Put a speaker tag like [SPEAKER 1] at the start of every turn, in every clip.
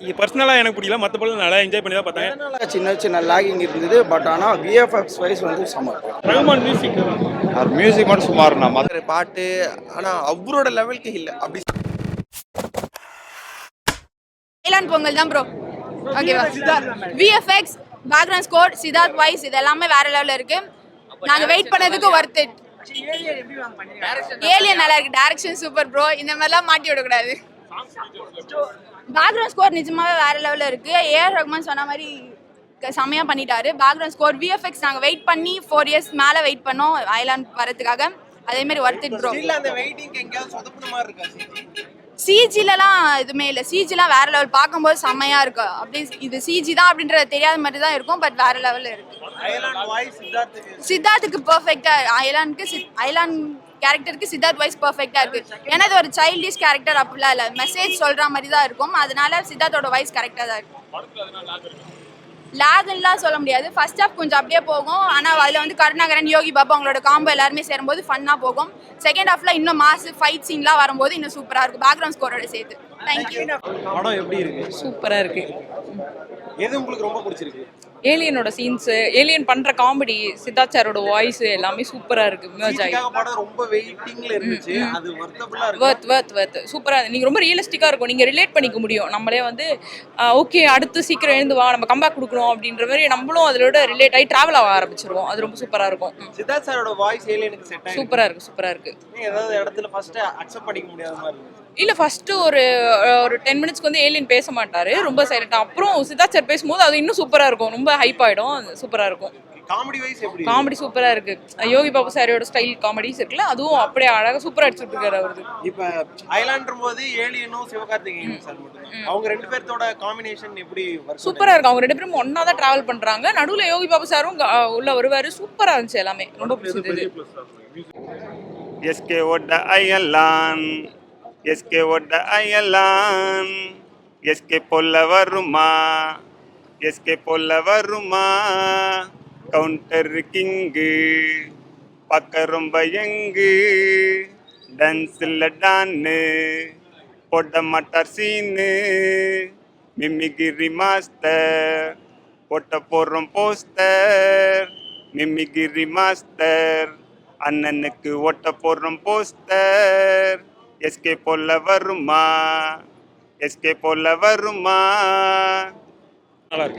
[SPEAKER 1] பர்சனலாக எனக்கு பிடிக்கல, மற்ற படம் நல்லா என்ஜாய் பண்ணி தான் பார்த்தேன்.
[SPEAKER 2] சின்ன சின்ன லாகிங் இருந்தது, பட் ஆனால் விஎஃப்எக்ஸ் வைஸ் வந்து சம.
[SPEAKER 1] ரகுமான் மியூசிக்
[SPEAKER 3] மியூசிக் மட்டும் சுமார்ண்ணா.
[SPEAKER 4] மற்ற பாட்டு ஆனால் அவரோட லெவலுக்கு இல்லை அப்படி.
[SPEAKER 5] ஐலாண்ட் பொங்கல் தான் ப்ரோ. ஓகேவா? VFX, background score, Siddharth voice இது எல்லாமே வேற லெவலில் இருக்கு. நாங்கள் வெயிட் பண்ணதுக்கு ஒர்த் இட். ஏலியன் நல்லா இருக்கு, டைரக்ஷன் சூப்பர் ப்ரோ. இந்த மாதிரிலாம் மாட்டி விடக்கூடாது. பேக்ரவுண்ட் ஸ்கோர் நிஜமாவே வேற லெவலில் இருக்கு. ஏஆர் ரஹ்மான் சொன்ன மாதிரி செம்மையா பண்ணிட்டாரு. பேக்ரவுண்ட் ஸ்கோர், விஎஃப்எக்ஸ் நாங்கள் வெயிட் பண்ணி 4 இயர்ஸ் மேலே வெயிட் பண்ணோம் ஐலாண்ட் வரதுக்காக. அதே மாதிரி ஒர்த் இட் ப்ரோ. சிஜிலலாம் எதுவுமே இல்லை, சிஜிலாம் வேற லெவல், பார்க்கும்போது செம்மையா இருக்கு. அப்படி இது சிஜி தான் அப்படின்றது தெரியாத மாதிரி தான் இருக்கும், பட் வேற லெவலில் இருக்கு. சித்தார்த்துக்கு பெர்ஃபெக்டா, ஐலாண்ட் கேரக்டருக்கு சித்தார்த் வாய்ஸ் பெர்ஃபெக்டா இருக்கு. ஏன்னா இது ஒரு சைல்டிஷ் கேரக்டர் அப்படிலாம் இல்லை, மெசேஜ் சொல்ற மாதிரி தான் இருக்கும். அதனால சித்தார்த்தோட வாய்ஸ் கரெக்டா தான் இருக்கு. லேக்லாம் சொல்ல முடியாது. ஃபர்ஸ்ட் ஹாஃப் கொஞ்சம் அப்படியே போகும், ஆனால் அதில் வந்து கருணாகரன், யோகி பாபு அவங்களோட காம்போ எல்லாருமே சேரும்போது ஃபன்னாக போகும். செகண்ட் ஹாஃப்ல இன்னும் மாஸ் ஃபைட் சீன்லாம் வரும்போது இன்னும் சூப்பராக இருக்கும், பேக்ரவுண்ட் ஸ்கோரோட சேர்த்து. தேங்க்யூ.
[SPEAKER 6] படம் எப்படி இருக்கு?
[SPEAKER 7] சூப்பராக இருக்கு.
[SPEAKER 6] எது உங்களுக்கு ரொம்ப பிடிச்சிருக்கு?
[SPEAKER 7] ஏலியனோட சீன்ஸ், ஏலியன் பண்ற காமெடி, சித்தார்த் சாரோட வாய்ஸ் எல்லாமே சூப்பரா இருக்கு.
[SPEAKER 6] படம் ரொம்ப வெயிட்டிங்ல இருந்துச்சு, அது வர்த்தபுல்லா இருக்கு.
[SPEAKER 7] வர்த் சூப்பரா. நீங்க ரொம்ப ரியலிஸ்டிக்கா இருக்கும், நீங்க ரிலேட் பண்ணிக்க முடியும். நம்மளே வந்து ஓகே அடுத்து சீக்கிரம் எழுந்து வா, நம்ம கம்பேக் கொடுக்கணும் அப்படின்ற மாதிரி நம்மளும் அதோட ரிலேட் ஆகி டிராவல் ஆக ஆரம்பிச்சிருவோம். அது ரொம்ப சூப்பரா இருக்கும்.
[SPEAKER 6] சித்தார்த் சாரோட வாய்ஸ் ஏலியனுக்கு செட் ஆயிருக்கு.
[SPEAKER 7] சூப்பரா இருக்கு.
[SPEAKER 6] ஏதாவது இடத்துல ஃபர்ஸ்ட் அக்செப்ட் பண்ணிக்க முடியாத மாதிரி இருக்கு.
[SPEAKER 7] இல்ல ஃபர்ஸ்ட் ஒரு 10 மினிட்ஸ்க்கு வந்து ஏலியன் பேச மாட்டாரு, ரொம்ப சைலண்டா. அப்புறம் சித்தார்த் சார் பேசும்போது அது இன்னும் சூப்பரா இருக்கும், ரொம்ப ஹைப் ஆயிடும். சூப்பரா இருக்கும்.
[SPEAKER 6] காமெடி வைஸ் எப்படி?
[SPEAKER 7] காமெடி சூப்பரா இருக்கு. யோகி பாபு சாரோட ஸ்டைல் காமெடிஸ் இருக்குல்ல, அதுவும் அப்படியே அழகா சூப்பரா அடிச்சுட்டு இருக்காரு அவரு.
[SPEAKER 6] இப்ப ஐலாண்டர் போது ஏலியனும் சிவகார்த்திகேயன் சார் மட்டும், அவங்க ரெண்டு பேர்த்தோட காம்பினேஷன் எப்படி
[SPEAKER 7] சூப்பரா இருக்கு. அவங்க ரெண்டு பேரும் ஒன்னா தான் டிராவல் பண்றாங்க. நடுவுல யோகி பாபு சாரும் உள்ள வருவாரு. சூப்பரா இருந்துச்சு, எல்லாமே ரொம்ப பிடிச்சது.
[SPEAKER 3] எஸ்கே ஓட அயலான், எஸ்கே ஓட அயலான், எஸ்கே போல வருமா, எஸ்கே போல வருமா, கவுண்டர் கிங்கு பார்க்க ரொம்ப யங்கு, டான்ஸில் டான்னு போட மாட்டார் சீனு, மிமிகிரி மாஸ்டர் போட்ட போடுறோம் போஸ்டர், மிமிகிரி மாஸ்டர் அண்ணனுக்கு ஓட்ட போடுறோம் போஸ்டர், எஸ்கே போல வருமா, எஸ்கே போல வருமா.
[SPEAKER 1] நல்லா இருக்கு.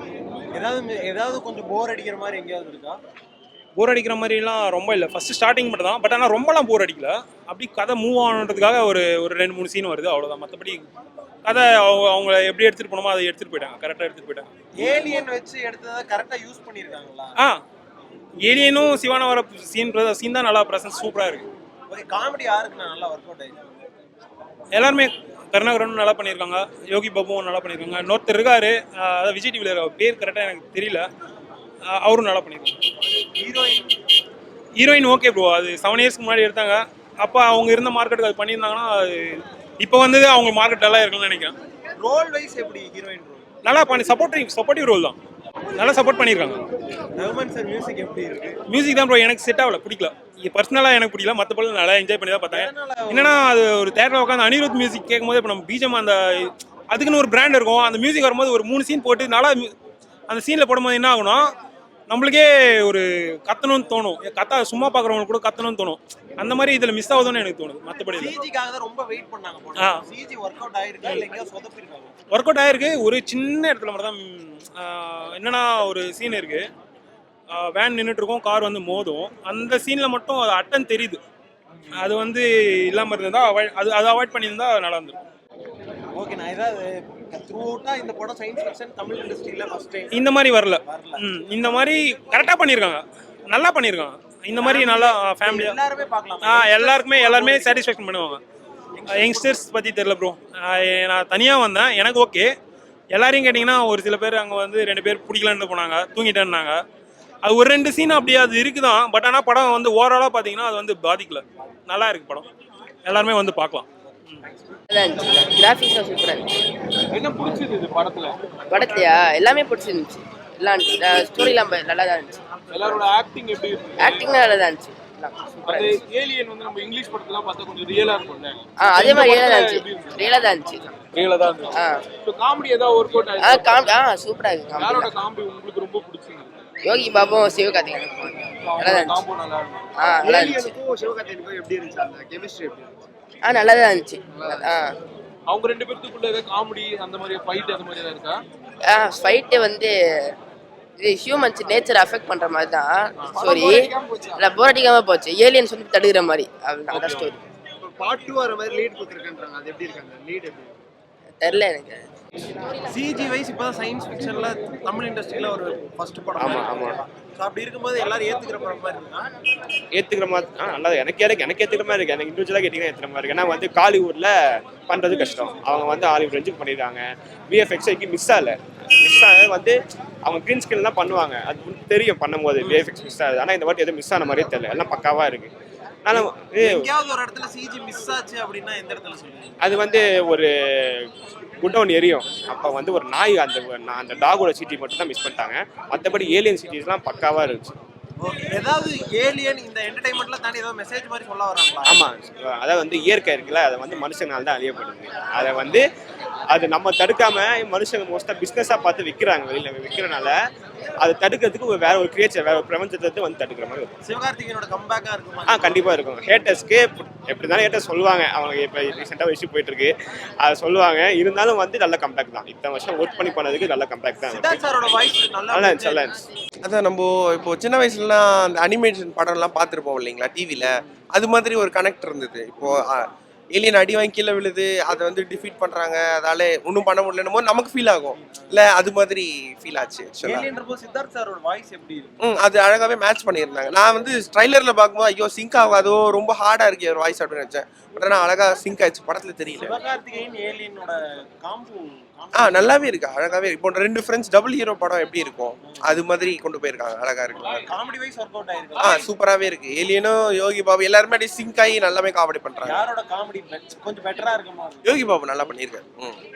[SPEAKER 6] ஏதாவது கொஞ்சம் போர் அடிக்கிற மாதிரி எங்கேயாவது இருக்கா?
[SPEAKER 1] போர் அடிக்கிற மாதிரிலாம் ரொம்ப இல்லை, ஃபர்ஸ்ட் ஸ்டார்டிங் மட்டும் தான். பட் ஆனால் ரொம்பலாம் போர் அடிக்கல. அப்படி கதை மூவ் ஆனதுக்காக ஒரு 2-3 சீன் வருது, அவ்வளோதான். மற்றபடி கதை அவங்கள எப்படி எடுத்துகிட்டு போனோமோ அதை எடுத்துகிட்டு போயிட்டாங்க, கரெக்டாக எடுத்துகிட்டு போயிட்டாங்க.
[SPEAKER 6] ஏலியன் வச்சு எடுத்ததை கரெக்டாக யூஸ் பண்ணியிருக்காங்களா?
[SPEAKER 1] ஏலியனும் சிவானா வர சீன் தான் நல்லா ப்ரெசன்ஸ் சூப்பராக இருக்கு.
[SPEAKER 6] ஓகே, காமெடி யாருக்கு நல்லா ஒர்க் அவுட் ஆயிருக்கு?
[SPEAKER 1] எல்லாருமே கருணாகரனும் நல்லா பண்ணியிருக்காங்க, யோகி பாபுவும் நல்லா பண்ணியிருக்காங்க. இன்னொருத்தர் இருக்காரு, அதாவது விஜய் டிவியில் பேர் கரெக்டாக எனக்கு தெரியல, அவரும் நல்லா பண்ணியிருக்காங்க. ஹீரோயின் ஓகே ப்ரோ, அது 7 இயர்ஸ்க்கு முன்னாடி எடுத்தாங்க. அப்போ அவங்க இருந்த மார்க்கெட்டுக்கு அது பண்ணியிருந்தாங்கன்னா அது இப்போ வந்து அவங்க மார்க்கெட் நல்லா இருக்குன்னு நினைக்கிறேன்.
[SPEAKER 6] ரோல் வைஸ் எப்படி ஹீரோயின் ரோல்?
[SPEAKER 1] நல்லா பண்ணி சப்போர்ட்டிவ் ரோல் தான், நல்லா சப்போர்ட் பண்ணியிருக்காங்க.
[SPEAKER 6] ரகுமான் சார் மியூசிக் எப்படி இருக்கு?
[SPEAKER 1] மியூசிக் தான் ப்ரோ எனக்கு செட் ஆகல, பிடிக்கல. பர்சனலாக எனக்கு பிடிக்கல, மற்ற படம் நல்லா என்ஜாய் பண்ணி தான் பார்த்தேன். என்னன்னா அது ஒரு தேட்டரில் உட்காந்து அனிருத் மியூசிக் கேட்கும்போது இப்போ நம்ம பிஜிஎம் அந்த அதுக்குன்னு ஒரு பிராண்ட் இருக்கும், அந்த மியூசிக் வரும்போது ஒரு 3 சீன் போட்டு நல்லா அந்த சீனில் போடும்போது என்ன ஆகும்னா நம்மளுக்கே ஒரு கத்தணும்னு தோணும், சும்மா பார்க்குறவங்களுக்கு கூட கத்தணும்னு தோணும். அந்த மாதிரி இதில் மிஸ் ஆகுதுன்னு எனக்கு தோணுது. மற்றபடி
[SPEAKER 6] சிஜிக்காக தான் ரொம்ப வெயிட் பண்ணாங்க. சிஜி ஒர்க் அவுட் ஆயிருக்கு இல்ல எங்கயோ சொதப்பிருக்காங்க? ஒர்க்
[SPEAKER 1] அவுட் ஆயிருக்கு, ஒரு சின்ன இடத்துல மட்டும் தான். என்னன்னா ஒரு சீன் இருக்கு, வேன் நின்றுட்டு இருக்கும், கார் வந்து மோதும். அந்த சீனில் மட்டும் அது அட்டன் தெரியுது, அது வந்து இல்லாமல் இருந்தால் அது அவாய்ட் பண்ணியிருந்தா நல்லா இருந்திருக்கும்.
[SPEAKER 6] ஓகே, நான் ஏதாவது த்ரூஅவுட்டா இந்த படம் சயின்ஸ் ஃபிக்ஷன் தமிழ் இண்டஸ்ட்ரியில ஃபர்ஸ்ட் டைம்
[SPEAKER 1] இந்த மாதிரி வரல. இந்த மாதிரி கரெக்டாக பண்ணியிருக்காங்க, நல்லா பண்ணியிருக்காங்க. இந்த மாதிரி நல்லா ஃபேமிலியாக
[SPEAKER 6] எல்லாருமே பார்க்கலாம்.
[SPEAKER 1] எல்லாருமே சாட்டிஸ்ஃபேக்ஷன் பண்ணுவாங்க. யங்ஸ்டர்ஸ் பற்றி தெரியல ப்ரோ, நான் தனியாக வந்தேன், எனக்கு ஓகே. எல்லாரையும் கேட்டிங்கன்னா ஒரு சில பேர் அங்கே வந்து 2 பேர் பிடிக்கலன்னு போனாங்க, தூங்கிட்டேன்னாங்க. அது ஒரு 2 சீன் அப்படியே அது இருக்குதான். பட் ஆனால் படம் வந்து ஓவராலாக பார்த்தீங்கன்னா அது வந்து பாதிக்கல, நல்லா இருக்கு படம், எல்லாருமே வந்து பார்க்கலாம்.
[SPEAKER 8] கிராஃபிக்ஸாக சூப்பராக இருந்துச்சு.
[SPEAKER 6] என்ன பிடிச்சது இது
[SPEAKER 8] படத்துலையா? எல்லாமே பிடிச்சிருந்துச்சு. எல்லாம் ஸ்டோரிலாம் நல்லா தான் இருந்துச்சு.
[SPEAKER 6] எல்லாரோட ஆக்டிங் எப்படி இருக்கு?
[SPEAKER 8] ஆக்டிங்லாம் நல்லா தான் இருந்துச்சு. பார்க்கலாம்.
[SPEAKER 9] அது ஏலியன் வந்து நம்ம இங்கிலீஷ் படத்துல பார்த்தா கொஞ்சம் ரியலா இருக்கும்ல.
[SPEAKER 8] அதே மாதிரி ரியலா தான் இருந்துச்சு.
[SPEAKER 9] ரியலா தான் இருந்துச்சு. இப்போ காமெடி ஏதாவது ஒர்க் அவுட் ஆயிடுச்சு.
[SPEAKER 8] சூப்பரா இருக்கு.
[SPEAKER 9] யாரோட காமெடி உங்களுக்கு ரொம்ப பிடிச்சிருக்கு?
[SPEAKER 8] யோகி பாபும் சிவகார்த்திகேயன் நல்லா தான்
[SPEAKER 9] காம்போ நல்லா இருக்கும்.
[SPEAKER 8] நல்லா இருந்துச்சு.
[SPEAKER 2] சிவகார்த்திகேயனுக்கும் எப்படி இருந்துச்சு அந்த கெமிஸ்ட்ரி எப்படி இருந்துச்சு?
[SPEAKER 8] நல்லா தான் இருந்துச்சு.
[SPEAKER 9] அவங்க ரெண்டு பேருக்குள்ள ஏதாவது காமெடி அந்த மாதிரி ஃபைட் அந்த மாதிரி ஏதாவது இருக்கா?
[SPEAKER 8] ஃபைட்டு வந்து இது ஹியூமன்ஸ் நேச்சர் அஃபெக்ட் பண்ற மாதிரி தான் ஸ்டோரி. இல்லை போர் அடிக்காம போச்சு. ஏலியன்ஸ் வந்து தடுக்கிற மாதிரி அந்த ஸ்டோரி.
[SPEAKER 2] பார்ட் 2 வர மாதிரி லீட் கொடுத்துருக்கேன்றாங்க. அது எப்படி இருக்காங்க லீட் எப்படி?
[SPEAKER 8] தெரியல எனக்கு.
[SPEAKER 6] சிஜி வைஸ் இப்பதான் சயின்ஸ் ஃபிக்ஷன்ல தமிழ் இண்டஸ்ட்ரியில ஒரு ஃபர்ஸ்ட் படம்.
[SPEAKER 3] ஆமா.
[SPEAKER 6] ஸோ அப்படி இருக்கும்போது எல்லாரும் ஏத்துக்கிற படம் மாதிரி இருக்கா?
[SPEAKER 3] ஏற்றுக்கிற மாதிரி நல்லா எனக்கு ஏற்றுக்கிற மாதிரி இருக்குது. எனக்கு இண்டிவிஜுவலாக கேட்டிங்கன்னா ஏற்றுக்கிற மாதிரி இருக்குது. ஏன்னா வந்து காலிவுட்டில் பண்ணுறது கஷ்டம். அவங்க வந்து ஹாலிவுட் ரேஞ்சுக்கு பண்ணிடுறாங்க. விஎஃப்எக்ஸ் மிஸ் ஆகலை. மிஸ் ஆனது வந்து அவங்க க்ரீன் ஸ்கிரீன்லாம் பண்ணுவாங்க. அது தெரியும் பண்ணும்போது விஎஃப்எக்ஸ் மிஸ் ஆகுது. ஆனால் இந்த வாட்டி எதுவும் மிஸ் ஆன மாதிரியே தெரியல. எல்லாம் பக்காவாக இருக்குது. ஆனால்
[SPEAKER 6] எங்கேயாவது ஒரு இடத்துல சிஜி மிஸ் ஆச்சு அப்படின்னா எந்த இடத்துல சொல்லுவீங்க?
[SPEAKER 3] அது வந்து ஒரு குட்டவுன் எரியும். அப்போ வந்து ஒரு நாய் அந்த டாகோட சிட்டி மட்டும் தான் மிஸ் பண்ணிட்டாங்க. மற்றபடி ஏலியன் சிட்டிஸ்லாம் பக்காவாக இருந்துச்சு.
[SPEAKER 6] ஏதாவது ஏலியன் இந்த என்டர்டைன்மெண்ட்ல தாண்டி ஏதாவது மெசேஜ் மாதிரி சொல்ல வராங்களா?
[SPEAKER 3] ஆமாம், அதாவது வந்து இயற்கை இருக்குல்ல, அதை வந்து மனுஷனால தான் அழியப்படுது. அதை வந்து அது நம்ம தடுக்காம மனுஷங்க மோஸ்ட்டாக பிஸ்னஸாக பார்த்து விற்கிறாங்க. வெளியில் விற்கிறனால அதை தடுக்கிறதுக்கு வேற ஒரு கிரியேச்சர், வேற ஒரு பிரபஞ்சத்தை வந்து தடுக்கிற மாதிரி இருக்கும்.
[SPEAKER 6] சிவகார்த்திகேயனோட கம்பேக்கா இருக்குமா?
[SPEAKER 3] கண்டிப்பாக இருக்கும். ஹேட்டர்ஸ்க்கு எப்படி இருந்தாலும் ஹேட்டர்ஸ் சொல்லுவாங்க. அவங்க இப்போ ரீசெண்டாக ஒரு இஷ்யூ போயிட்டு இருக்கு, அதை சொல்லுவாங்க. இருந்தாலும் வந்து நல்ல கம்பேக் தான். இத்தனை வருஷம் ஒர்க் பண்ணி பண்ணதுக்கு நல்ல கம்பேக் தான்.
[SPEAKER 6] சித்தார்த் சாரோட வாய்ஸ் நல்லா
[SPEAKER 3] இருந்துச்சு.
[SPEAKER 4] அதான் நம்ம இப்போ சின்ன வயசுலலாம் அந்த அனிமேஷன் படம்லாம் பார்த்துருப்போம் இல்லைங்களா டிவியில். அது மாதிரி ஒரு கனெக்ட் இருந்தது. இப்போது ஏலியன் அடி வாங்கி கீழே விழுது, அதை வந்து டிஃபீட் பண்ணுறாங்க, அதால ஒன்றும் பண்ண முடியலன்னு போது நமக்கு ஃபீல் ஆகும் இல்லை, அது மாதிரி ஃபீல் ஆச்சு.
[SPEAKER 6] சித்தார்த் சாரோட வாய்ஸ் எப்படி இருக்கு?
[SPEAKER 4] அது அழகாகவே மேட்ச் பண்ணியிருந்தாங்க. நான் வந்து ட்ரைலரில் பார்க்கும்போது ஐயோ சிங்க் ஆகாதோ, ரொம்ப ஹார்டாக இருக்கு ஒரு வாய்ஸ் அப்படின்னு நினச்சேன். பட் ஆனால் அழகாக சிங்க் ஆயிடுச்சு. படத்தில் தெரியல.
[SPEAKER 6] சிவகார்த்திகேயன் ஏலியனோட காம்போ
[SPEAKER 4] நல்லாவே இருக்கு, அழகாவே இருக்கு. இப்போ 2 ஃப்ரெண்ட்ஸ் டபுள் ஹீரோ படம் எப்படி இருக்கும் அது மாதிரி கொண்டு போயிருக்காங்க. அழகா இருக்கு.
[SPEAKER 6] காமெடி வைஸ் ஒர்க் அவுட் ஆயிருக்கு.
[SPEAKER 4] சூப்பராவே இருக்கு. ஏலியனும் யோகி பாபு எல்லாருமே அப்படியே சிங்க் ஆகி நல்லாவே காமெடி பண்றாங்க.
[SPEAKER 6] யாரோட காமெடி கொஞ்சம் பெட்டரா இருக்குமா?
[SPEAKER 4] யோகி பாபு நல்லா பண்ணியிருக்காரு.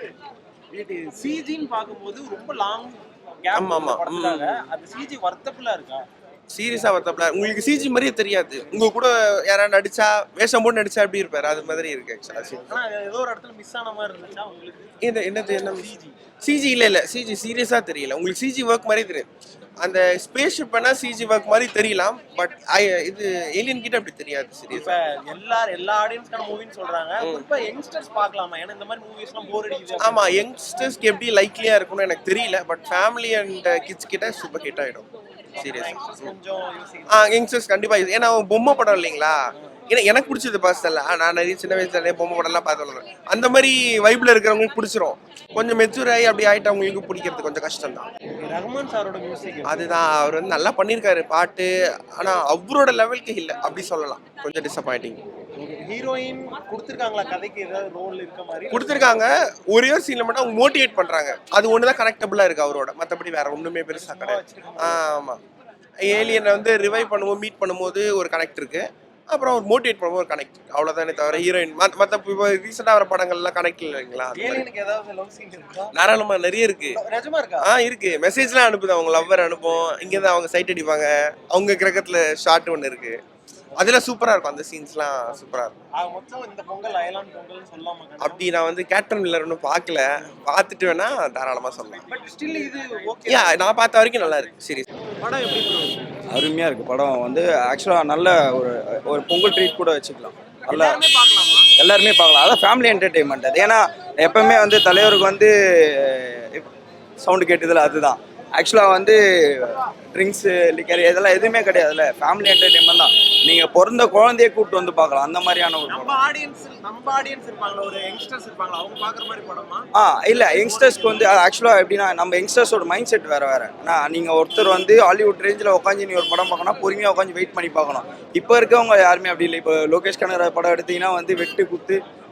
[SPEAKER 6] சிஜின்னு பார்க்கும்போது ரொம்ப லாங் கேப். ஆமா. அது சிஜி வர்த்தபிளா இருக்கா?
[SPEAKER 4] சீரியஸா வர்த்தபிளா உங்களுக்கு சிஜி மாதிரியே தெரியாது. உங்க கூட யாராவது நடிச்சா வேஷம் போட்டு நடிச்சா எப்படி இருப்பாரு அது மாதிரி இருக்கு.
[SPEAKER 6] ஆனா ஏதோ ஒரு இடத்துல மிஸ் ஆன மாதிரி இருந்துச்சா உங்களுக்கு?
[SPEAKER 4] என்ன சிஜி இல்ல சிஜி சீரியஸா தெரியல. உங்களுக்கு சிஜி ஒர்க் மாதிரி தெரியும். அந்த ஸ்பேஸ் ஷிப் பண்ணா சிஜி ஒர்க் மாதிரி தெரியலாம். பட் இது ஏலியன் கிட்ட அப்படி தெரியாது. சீரியஸா
[SPEAKER 6] எல்லா ஆடியன்ஸ்க்கான மூவின்னு சொல்றாங்க. இப்ப யங்ஸ்டர்ஸ் பார்க்கலாமா? ஏன்னா இந்த மாதிரி மூவிஸ்லாம் போர் அடிக்குது.
[SPEAKER 4] ஆமா, யங்ஸ்டர்ஸ்க்கு எப்படி லைக்லியா இருக்கும்னு எனக்கு தெரியல. பட் ஃபேமிலி அண்ட் கிட்ஸ் கிட்ட சூப்பர் ஹிட் ஆயிடும். யங்ஸ்டர்ஸ் கண்டிப்பா. ஏன்னா பொம்மை படம் இல்லைங்களா. ஏன்னா எனக்கு பிடிச்சது பர்சனலா. நான் நிறைய சின்ன வயசுல நிறைய பொம்மை படம்லாம் பார்த்து அந்த மாதிரி வைப்ல இருக்கிறவங்களுக்கு பிடிச்சிரும். கொஞ்சம் மெச்சூர் ஆகி அப்படி ஆயிட்டு அவங்களுக்கு பிடிக்கிறது கொஞ்சம் கஷ்டம் தான்.
[SPEAKER 6] ரஹ்மான் சாரோட மியூசிக்
[SPEAKER 4] அதுதான், அவர் வந்து நல்லா பண்ணியிருக்காரு பாட்டு. ஆனா அவரோட லெவலுக்கு இல்லை அப்படி சொல்லலாம். கொஞ்சம் டிசப்பாயிண்டிங்.
[SPEAKER 6] ஹீரோயின் கொடுத்துருக்காங்களா? கதைக்கு ஏதாவது ரோல் இருக்க மாதிரி
[SPEAKER 4] கொடுத்துருக்காங்க. ஒரே ஒரு சீன்ல மட்டும் அவங்க மோட்டிவேட் பண்றாங்க. அது ஒண்ணுதான் கனெக்டபிளா இருக்கு அவரோட. மற்றபடி வேற ஒண்ணுமே பெருசா கிடையாது. ஆமா, ஏலியனை வந்து ரிவைவ் பண்ணும்போது மீட் பண்ணும்போது ஒரு கனெக்ட் இருக்கு. அப்புறம் ஒரு மோட்டிவேட் பண்ணும்போது ஒரு கனெக்ட், அவ்வளவுதானே தவிர ஹீரோயின் மற்ற இப்போ ரீசெண்டா வர படங்கள்லாம் கனெக்ட் இல்லைங்களா. தாராளமா நிறைய இருக்கு. இருக்கு. மெசேஜ்லாம் அனுப்புது. அவங்க லவ்வர் அனுப்பும். இங்கேருந்து அவங்க சைட் அடிப்பாங்க. அவங்க கிரகத்துல ஷார்ட் ஒன்று இருக்கு. அதெல்லாம் சூப்பரா இருக்கும். அந்த சீன்ஸ்லாம் சூப்பரா இருக்கும். அப்படி நான் வந்து கேப்டன் மில்லர் ஒன்றும் பார்க்கல. பார்த்துட்டு வேணா தாராளமா சொல்லலாம். நான் பார்த்த வரைக்கும் நல்லா இருக்கு. சீரியஸ்
[SPEAKER 6] படம் எப்படி
[SPEAKER 2] அருமையா இருக்கு. படம் வந்து ஆக்சுவலா நல்ல ஒரு பொங்கல் ட்ரீட் கூட வச்சுக்கலாம். நல்லா எல்லாருமே பார்க்கலாம். அதான் ஃபேமிலி என்டர்டெயின்மெண்ட் அது. ஏன்னா எப்பவுமே வந்து தலைவருக்கு வந்து சவுண்டு கேட்டதில்ல. அதுதான் ஆக்சுவலாக வந்து ட்ரிங்க்ஸு லிக்கர் இதெல்லாம் எதுவுமே கிடையாதுல்ல. ஃபேமிலி என்டர்டெயின்மெண்ட் தான். நீங்கள் பிறந்த குழந்தைய கூப்பிட்டு வந்து பார்க்கலாம். அந்த மாதிரியான ஒரு
[SPEAKER 6] நம்ம ஆடியன்ஸ் இருப்பாங்களா, ஒரு யங்ஸ்டர்ஸ் இருப்பாங்களா, அவங்க பார்க்குற மாதிரி படமா?
[SPEAKER 2] இல்லை, யங்ஸ்டர்ஸ்க்கு வந்து ஆக்சுவலாக எப்படின்னா நம்ம யங்ஸ்டர்ஸோட மைண்ட் செட் வேறு. நீங்கள் ஒருத்தர் வந்து ஹாலிவுட் ரேஞ்சில் உட்காந்து நீ ஒரு படம் பார்க்கணும், பொறுமையாக உட்காந்து வெயிட் பண்ணி பார்க்கணும். இப்போ இருக்கவங்க யாருமே அப்படி இல்லை. இப்போ லோகேஷ் கனகராஜ் படம் எடுத்தீங்கன்னா வந்து வெட்டு குத்து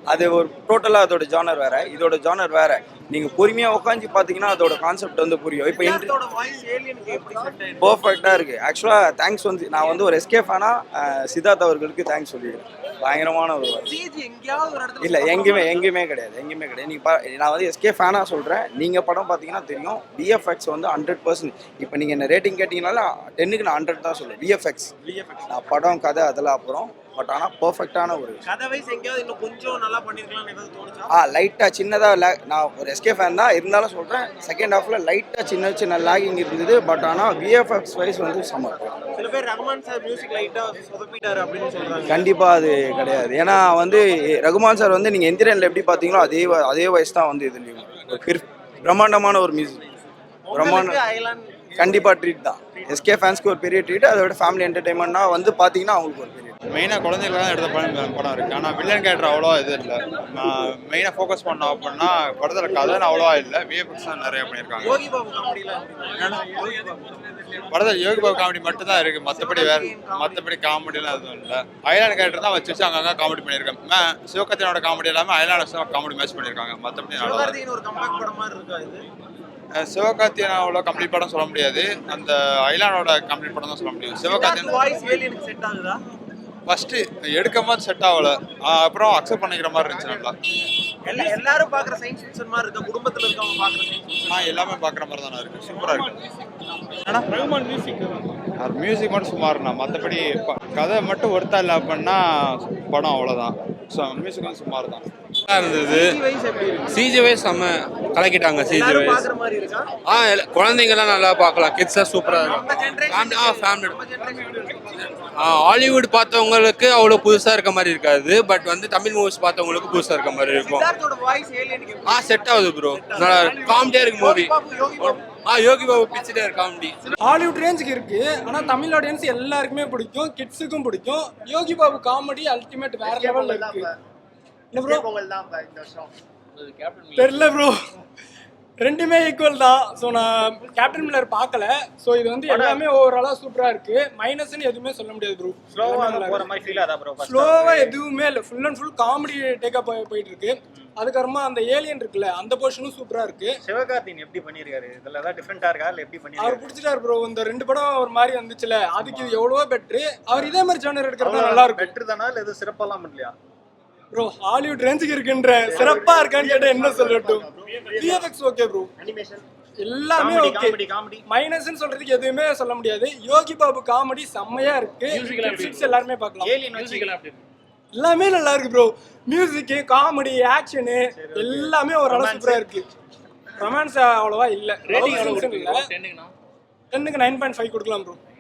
[SPEAKER 2] அது ஒரு டோட்டலாக அதோட ஜானர் வேற, இதோட ஜானர் வேற. நீங்கள் பொறுமையாக உட்காந்து பார்த்தீங்கன்னா அதோட கான்செப்ட் வந்து புரியும். இப்போ
[SPEAKER 6] சித்தார்த்தோட வாய்ஸ் ஏலியனுக்கு எப்படி செட் ஆயிருக்கு?
[SPEAKER 2] பர்ஃபெக்டாக இருக்குது. ஆக்சுவலாக தேங்க்ஸ் வந்து நான் வந்து ஒரு எஸ்கே ஃபேனாக சித்தார்த் அவர்களுக்கு தேங்க்ஸ் சொல்லிடுறேன். பயங்கரமான ஒரு
[SPEAKER 6] சிஜி எங்கேயாவது ஒரு இடத்துல
[SPEAKER 2] இல்லை, எங்கேயுமே கிடையாது. நீங்கள் நான் வந்து எஸ்கே ஃபேனாக சொல்கிறேன். நீங்கள் படம் பார்த்தீங்கன்னா தெரியும், விஎஃப்எக்ஸ் வந்து 100%. இப்போ நீங்கள் என்ன ரேட்டிங் கேட்டிங்கனால 10க்கு நான் 100 தான் சொல்லுவேன். விஎஃப்எக்ஸ் நான் படம் கதை அதெல்லாம் அப்புறம், பட் ஆனால் பர்ஃபெக்டான ஒரு
[SPEAKER 6] கதை வைஸ் எங்கேயாவது இன்னும் கொஞ்சம் நல்லா பண்ணிருக்கலாம்னு ஏதாவது தோணுச்சா?
[SPEAKER 2] லைட்டாக சின்னதாக நான் ஒரு எஸ்கே ஃபேன் தான் இருந்தாலும் சொல்கிறேன், செகண்ட் ஹாஃபில் லைட்டாக சின்ன லாகிங் இருந்தது. பட் ஆனால் விஎஃப்எக்ஸ் வைஸ் வந்து சம்மர்.
[SPEAKER 6] சில பேர் ரகுமான் சார் மியூசிக் லைட்டா சொதப்பிட்டாரு அப்படின்னு சொல்றாங்க.
[SPEAKER 2] கண்டிப்பாக அது கிடையாது. ஏன்னா வந்து ரகுமான் சார் வந்து நீங்கள் எந்திரனில் எப்படி பார்த்தீங்களோ அதே வயசு தான் வந்து இதுலேயும் பிரம்மாண்டமான ஒரு மியூசிக். பிரம்மாண்டம்
[SPEAKER 6] ஐலாண்ட்
[SPEAKER 2] கண்டிப்பாக ட்ரீட் தான். எஸ்கே ஃபேன்ஸ்க்கு ஒரு பெரிய ட்ரீட். அதோட ஃபேமிலி என்டர்டைன்மெண்ட்னா வந்து பார்த்தீங்கன்னா அவங்களுக்கு ஒரு பெரிய
[SPEAKER 10] மெயினாக குழந்தைகளுக்கு தான் எடுத்த படம் இருக்குது. ஆனால் வில்லன் கேரக்டர் அவ்வளோவா இது இல்லை. மெயினாக ஃபோக்கஸ் பண்ணோம் அப்படின்னா படத்தில் கதை அவ்வளோவா இல்லை, விஎஃப்எக்ஸ் தான் நிறைய பண்ணியிருக்காங்க.
[SPEAKER 6] யோகி பாபு காமெடியில
[SPEAKER 10] படத்தில் யோகி பாபு காமெடி மட்டும் தான் இருக்குது, மற்றபடி காமெடியெலாம் எதுவும் இல்லை. ஐலாண்ட் கேரக்டர் தான் வச்சு அங்கங்கே காமெடி பண்ணியிருக்காங்க. சிவகார்த்திகேயனோட காமெடி எல்லாமே ஐலாண்ட் காமெடி மேட்ச் பண்ணியிருக்காங்க. மற்றபடி நல்லா
[SPEAKER 6] ஒரு கம்பேக் படம் மாதிரி இருக்கா இது?
[SPEAKER 10] சிவகார்த்திகேயன் அவ்வளோ கம்ப்ளீட் படம் சொல்ல முடியாது, அந்த ஐலானோட கம்ப்ளீட் படம் தான் சொல்ல முடியும். சிவகார்த்திகேயன்
[SPEAKER 6] வாய்ஸ் ஏலியனுக்கு செட் ஆகுதா?
[SPEAKER 10] ஃபர்ஸ்ட் எடுக்கும் போது செட் ஆகல, அப்புறம் அக்செப்ட் பண்ணிக்கிற மாதிரி இருந்துச்சு. நல்லா
[SPEAKER 6] எல்லாரும் பாக்குற சயின்ஸ் ஃபிக்ஷன் மாதிரி இருக்கா? குடும்பத்துல இருக்கவங்க பாக்குற சயின்ஸ் ஃபிக்ஷன்
[SPEAKER 10] எல்லாமே பார்க்குற மாதிரி தானே இருக்கு, சூப்பராக இருக்கு. மியூசிக் மட்டும் சுமார்ண்ணா, மற்றபடி கதை மட்டும் ஒருத்தா இல்லை அப்படின்னா படம் அவ்வளோதான். ஸோ மியூசிக் வந்து சுமார் தான்
[SPEAKER 11] இருந்தது. சிஜி வைஸ் செம்ம கலக்கிட்டாங்க. சிஜி வைஸ்
[SPEAKER 6] பாக்குற மாதிரி இருக்கா?
[SPEAKER 11] குழந்தைங்கலாம் நல்லா பார்க்கலாம், கிட்ஸாக சூப்பராக இருக்கும். ஃபேமிலி ஹாலிவுட் பார்த்தவங்களுக்கு அவ்வளோ புதுசாக இருக்க மாதிரி இருக்காது, பட் வந்து தமிழ் மூவிஸ் பார்த்தவங்களுக்கு புதுசாக இருக்க மாதிரி இருக்கும்.
[SPEAKER 6] சித்தார்த்தோட வாய்ஸ் ஏலியனுக்கு
[SPEAKER 11] செட் ஆகுது ப்ரோ, நல்லா காமெடியாக இருக்கு மூவி. யோகி பாபு பிச்சுட்டே இருக்கு காமெடி.
[SPEAKER 12] ஹாலிவுட் ரேஞ்சுக்கு இருக்கு, ஆனால் தமிழ் ஆடியன்ஸ் எல்லாருக்குமே பிடிக்கும், கிட்ஸுக்கும் பிடிக்கும். யோகி பாபு காமெடி அல்டிமேட் வேற லெவலில் இருக்கு. தெரியல ப்ரோ, ரெண்டுமே ஈக்குவல் தான். ஸோ நான் கேப்டன் மில்லர் பார்க்கல. ஸோ இது வந்து எல்லாமே ஓவராலாக சூப்பராக இருக்கு. மைனஸ்ன்னு எதுவுமே சொல்ல முடியாது ப்ரோ. ஸ்லோவாக எதுவுமே இல்லை, full and full comedy take up போயிட்டு இருக்கு. அதுக்கப்புறமா அந்த ஏலியன் இருக்குல்ல, அந்த போர்ஷனும் சூப்பராக இருக்கு.
[SPEAKER 6] சிவகார்த்திகேயன் எப்படி பண்ணிருக்காரு? இதுல ஏதாவது டிஃபரெண்டா இருக்கா இல்ல எப்படி பண்ணிருக்காரு?
[SPEAKER 12] அவர் பிடிச்சிட்டாரு ப்ரோ. இந்த 2 படம் ஒரு மாதிரி வந்துச்சுல, அதுக்கு இது எவ்வளவோ பெட்ரு. அவர் இதே மாதிரி ஜானர் எடுக்கிறது நல்லா இருக்கும்.
[SPEAKER 6] பெட்டர் தானா இல்ல எது சிறப்பாலாம் பண்ணலையா
[SPEAKER 12] ப்ரோ? ஹாலிவுட் ரேஞ்சுக்கு இருக்குன்ற சிறப்பா இருக்கான்னு கேட்டா என்ன சொல்லட்டும். விஎஃப்எக்ஸ் ஓகே ப்ரோ,
[SPEAKER 6] அனிமேஷன்
[SPEAKER 12] எல்லாமே ஓகே. மைனஸ்னு சொல்றதுக்கு எதுவுமே சொல்ல முடியாது. யோகி பாபு காமெடி செம்மையா இருக்கு, எல்லாருமே பார்க்கலாம்.
[SPEAKER 6] ஏலியன் மியூசிக்லாம் எப்படி இருக்கு?
[SPEAKER 12] எல்லாமே நல்லா இருக்கு ப்ரோ. மியூசிக், காமெடி, ஆக்ஷனு எல்லாமே ஓரளவு சூப்பரா இருக்கு. ரொமான்ஸ் அவ்வளவா இல்ல. ரேட்டிங் 10க்கு 9.5 கொடுக்கலாம் ப்ரோ.